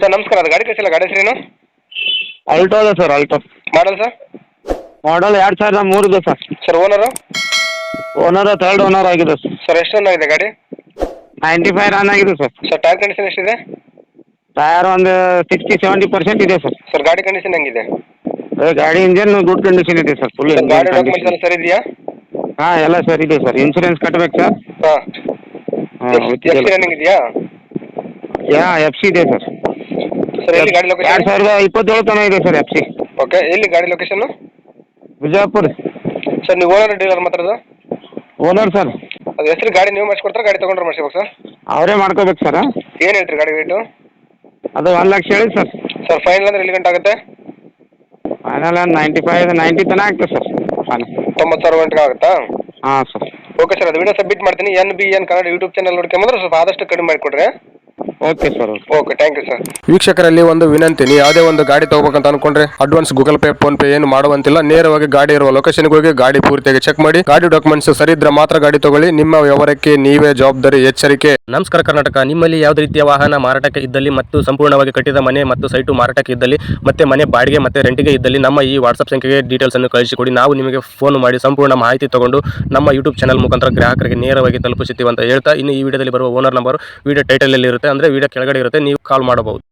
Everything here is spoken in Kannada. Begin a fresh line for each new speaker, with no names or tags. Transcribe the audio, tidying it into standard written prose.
ಸರ್ ನಮಸ್ಕಾರ, ಅದು ಗಾಡಿ ಕಳಿಸಿಲ್ಲ, ಗಾಡಿ ಹೆಸರೇನು?
ಆಲ್ಟೋ ಅದ sir, Alto
model sir?
Model 2003 ಇದೆ sir.
Sir owner?
Owner third owner ಆಗಿದೆ ಸರ್.
ಸರ್ ಎಷ್ಟು ರನ್ ಆಗಿದೆ ಗಾಡಿ?
95 ರನ್ ಆಗಿದೆ ಸರ್.
ಸರ್ ಟೈರ್ ಕಂಡೀಷನ್ ಎಷ್ಟಿದೆ?
ಟೈರ್ ಒಂದು 60-70% ಇದೆ ಸರ್.
ಸರ್ ಗಾಡಿ ಕಂಡೀಷನ್ ಹೆಂಗಿದೆ?
ಗಾಡಿ ಇಂಜನ್ ಗುಡ್ ಕಂಡೀಷನ್ ಇದೆ ಸರ್, ಫುಲ್
ಸರ್ ಗಾಡಿ
ಇಂಜನ್
ಡಾಕ್ಯುಮೆಂಟ್ಸ್ ಎಲ್ಲ
ಕಂಡೀಷನ್.
ಸರಿ ಇದೆಯಾ?
ಹಾಂ ಎಲ್ಲ ಸರ್ ಇದೆ ಸರ್. ಇನ್ಸೂರೆನ್ಸ್ ಕಟ್ಬೇಕು ಸರ್.
ಹಾಂ.
ಹಾಂ
ಎಷ್ಟು ರನ್ನಿಂಗ್ ಇದೆಯಾ?
FC ಇದೆ ಸರ್.
ಸರ್ ಎಲ್ಲಿ ಗಾಡಿ ಲೊಕೇಶನ್?
2027 ತನಕ ಇದೆ ಸರ್ FC.
ಓಕೆ, ಎಲ್ಲಿ ಗಾಡಿ ಲೊಕೇಶನ್?
ಬಿಜಾಪುರ.
ಸರ್ ನೀವು ಓನರ್ ಡೀಲರ್ ಮಾತಾಡೋದು?
Owner sir.
ಅದು ಹೆಸರು ಗಾಡಿ ನೀವು ಮಾಡಿಸ್ಕೊಡ್ತಾರೆ, ಗಾಡಿ ತೊಗೊಂಡ್ರೆ ಮಾಡಿಸ್ಬೇಕು ಸರ್?
ಅವರೇ ಮಾಡ್ಕೋಬೇಕು ಸರ್.
ಏನು ಹೇಳ್ತೀರಿ ಗಾಡಿ ರೇಟು?
ಅದು 1 ಲಕ್ಷ ಹೇಳಿ ಸರ್.
ಸರ್ ಫೈನಲ್ ಅಂದ್ರೆ ಎಲ್ಲಿ ಗಂಟೆ ಆಗುತ್ತೆ?
ಫೈನಲ್ 90 ತನಕ ಆಗ್ತದೆ ಸರ್. ಫೈನಲ್
90,000 ಗಂಟೆಗೆ ಆಗುತ್ತಾ?
ಹಾಂ ಸರ್.
ಓಕೆ ಸರ್, ಅದು ವಿಡಿಯೋ ಸಬ್ಮಿಟ್ ಮಾಡ್ತೀನಿ. NBN ಕನ್ನಡ ಯೂಟ್ಯೂಬ್ ಚಾನಲ್ ನೋಡ್ಕೊಂಬಂದ್ರೆ ಸ್ವಲ್ಪ ಆದಷ್ಟು ಕಡಿಮೆ ಮಾಡಿಕೊಡ್ರಿ.
Okay sir.
Okay, thank you sir.
ವೀಕ್ಷಕರಲ್ಲಿ ಒಂದು ವಿನಂತಿ, ನೀವು ಯಾವುದೇ ಒಂದು ಗಾಡಿ ತಗೋಬೇಕಂತ ಅನ್ಕೊಂಡ್ರೆ advance Google Pay PhonePe ಏನು ಮಾಡುವಂತಿಲ್ಲ. ನೇರವಾಗಿ ಗಾಡಿ ಇರುವ ಲೊಕೇಶನ್ಗೆ ಹೋಗಿ ಗಾಡಿ ಪೂರ್ತಿಯಾಗಿ ಚೆಕ್ ಮಾಡಿ, ಗಾಡಿ ಡಾಕ್ಯುಮೆಂಟ್ಸ್ ಸರಿ ಇದ್ರೆ ಮಾತ್ರ ಗಾಡಿ ತಗೊಳ್ಳಿ. ನಿಮ್ಮ ವ್ಯವಹಾರಕ್ಕೆ ನೀವೇ ಜವಾಬ್ದಾರಿ. ಎಚ್ಚರಿಕೆ.
ನಮಸ್ಕಾರ ಕರ್ನಾಟಕ. ನಿಮ್ಮಲ್ಲಿ ಯಾವುದೇ ರೀತಿಯ ವಾಹನ ಮಾರಾಟಕ್ಕೆ ಇದ್ದಲ್ಲಿ ಮತ್ತು ಸಂಪೂರ್ಣವಾಗಿ ಕಟ್ಟಿದ ಮನೆ ಮತ್ತು ಸೈಟು ಮಾರಾಟಕ್ಕೆ ಇದ್ದಲ್ಲಿ ಮತ್ತೆ ಮನೆ ಬಾಡಿಗೆ ಮತ್ತೆ ರೆಂಟಿಗೆ ಇದ್ದಲ್ಲಿ ನಮ್ಮ ಈ ವಾಟ್ಸ್ಆಪ್ ಸಂಖ್ಯೆಗೆ ಡೀಟೇಲ್ಸ್ ಅನ್ನು ಕಳಿಸಿಕೊಡಿ. ನಾವು ನಿಮಗೆ ಫೋನ್ ಮಾಡಿ ಸಂಪೂರ್ಣ ಮಾಹಿತಿ ತಗೊಂಡು ನಮ್ಮ ಯೂಟ್ಯೂಬ್ ಚಾನಲ್ ಮುಖಾಂತರ ಗ್ರಾಹಕರಿಗೆ ನೇರವಾಗಿ ತಲುಪಿಸುತ್ತೀವಿ ಅಂತ ಹೇಳ್ತಾ, ಇನ್ನು ಈ ವಿಡಿಯೋದಲ್ಲಿ ಬರುವ ಓನರ್ ನಂಬರ್ ವಿಡಿಯೋ ಟೈಟಲ್ ಅಲ್ಲಿ ಇರುತ್ತೆ, ಅಂದ್ರೆ ವಿಡಿಯೋ ಕೆಳಗಡೆ ಇರುತ್ತೆ, ನೀವು ಕಾಲ್ ಮಾಡಬಹುದು.